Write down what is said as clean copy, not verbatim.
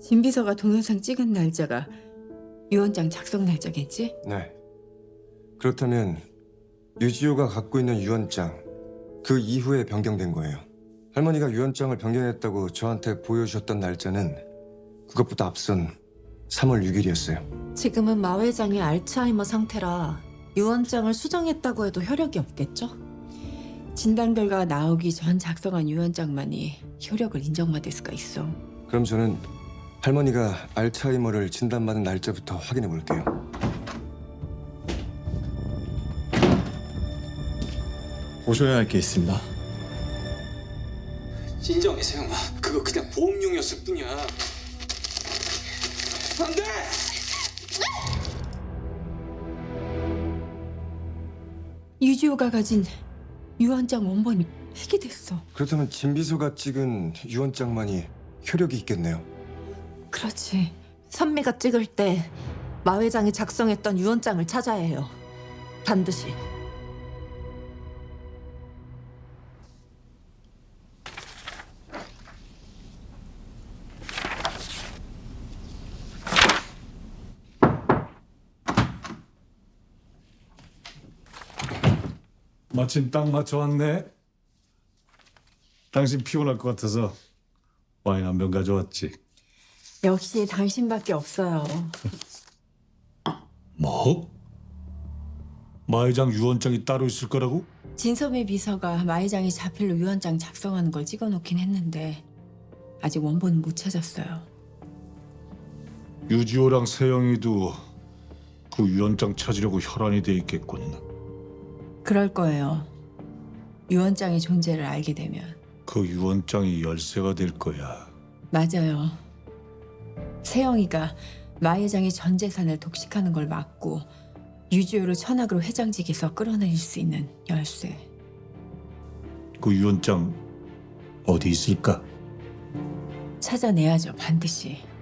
진 비서가 동영상 찍은 날짜가 유언장 작성 날짜겠지? 네. 그렇다면 유지호가 갖고 있는 유언장 그 이후에 변경된 거예요. 할머니가 유언장을 변경했다고 저한테 보여주셨던 날짜는 그것보다 앞선 3월 6일이었어요. 지금은 마 회장이 알츠하이머 상태라 유언장을 수정했다고 해도 효력이 없겠죠? 진단 결과가 나오기 전 작성한 유언장만이 효력을 인정받을 수가 있어. 그럼 저는 할머니가 알츠하이머를 진단받은 날짜부터 확인해 볼게요. 보셔야 할 게 있습니다. 진정해 세영아, 그거 그냥 보험용이었을 뿐이야. 안돼! 유지호가 가진 유언장 원본이 폐기됐어. 그렇다면 진 비서가 찍은 유언장만이 효력이 있겠네요. 그렇지. 선미가 찍을 때 마 회장이 작성했던 유언장을 찾아야 해요. 반드시. 마침 딱 맞춰왔네. 당신 피곤할 것 같아서 와인 한 병 가져왔지. 역시 당신밖에 없어요. 뭐? 마 회장 유언장이 따로 있을 거라고? 진섭의 비서가 마 회장이 자필로 유언장 작성하는 걸 찍어놓긴 했는데 아직 원본은 못 찾았어요. 유지호랑 세영이도 그 유언장 찾으려고 혈안이 돼 있겠군. 그럴 거예요. 유언장의 존재를 알게 되면. 그 유언장이 열쇠가 될 거야. 맞아요. 세영이가 마 회장이 전 재산을 독식하는 걸 막고 유지호를 천학으로 회장직에서 끌어내릴 수 있는 열쇠. 그 유언장 어디 있을까? 찾아내야죠, 반드시.